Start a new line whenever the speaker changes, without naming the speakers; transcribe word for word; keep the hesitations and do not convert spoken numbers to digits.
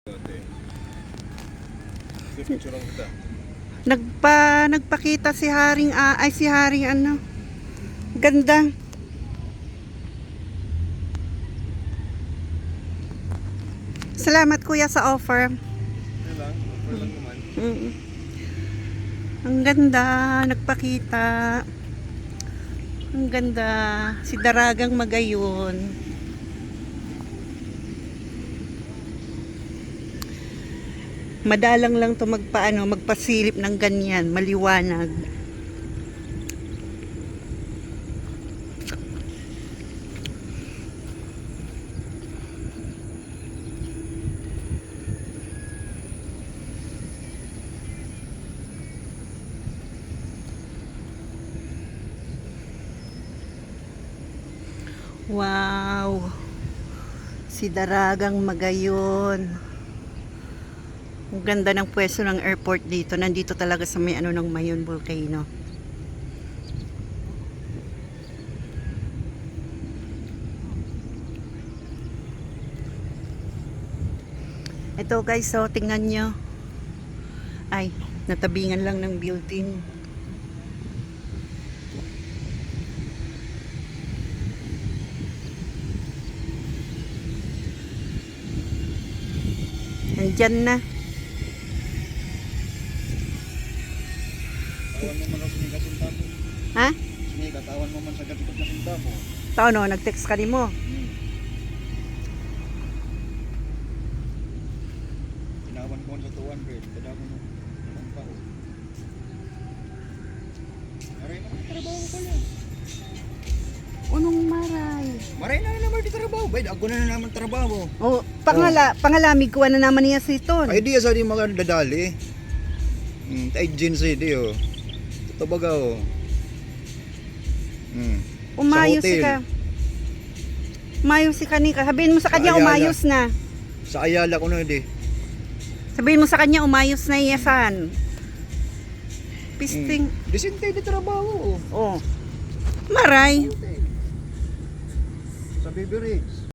Nagpa nagpakita si Haring ah, ay si Haring ano. Ganda. Salamat kuya sa offer.
Lang, offer lang naman.
Mm. Ang ganda, nagpakita. Ang ganda, si Daragang Magayon. Madalang lang to magpaano, magpasilip ng ganyan, maliwanag. Wow. Si Daragang Magayon. Ang ganda ng pwesto ng airport dito. Nandito talaga sa may ano ng Mayon Volcano. Ito guys, so tingnan nyo. Ay, natabingan lang ng building. Nandyan na.
Tawan mo man ako sa kasinta mo.
Ha?
Sige, katawan mo man sa gatikot na sinta mo.
Tao no, nag-text ka rin mo.
Hmm. Tinawan ko sa two hundred. Kada ko nung ang pao. Maray na naman trabaho ko pala.
Unong maray.
Maray na naman di trabaho. Bay, ako na naman trabaho.
Oh, pangala, pangalamig ko na naman niya si Ton.
Ay, di sa di mga dadali. Hmm, tay agency di oh. Tabaga oh. Hmm.
Umayos
Sa hotel.
ka. Umayos si Kanika. Sabihin mo sa
Sa
kanya
Ayala.
umayos na.
Sa Ayala ko na di.
Sabihin mo sa kanya umayos na iyasan. Pisting.
Hmm. Disinte di trabaho oh.
Oh. Maray.
Sa Baby Riggs.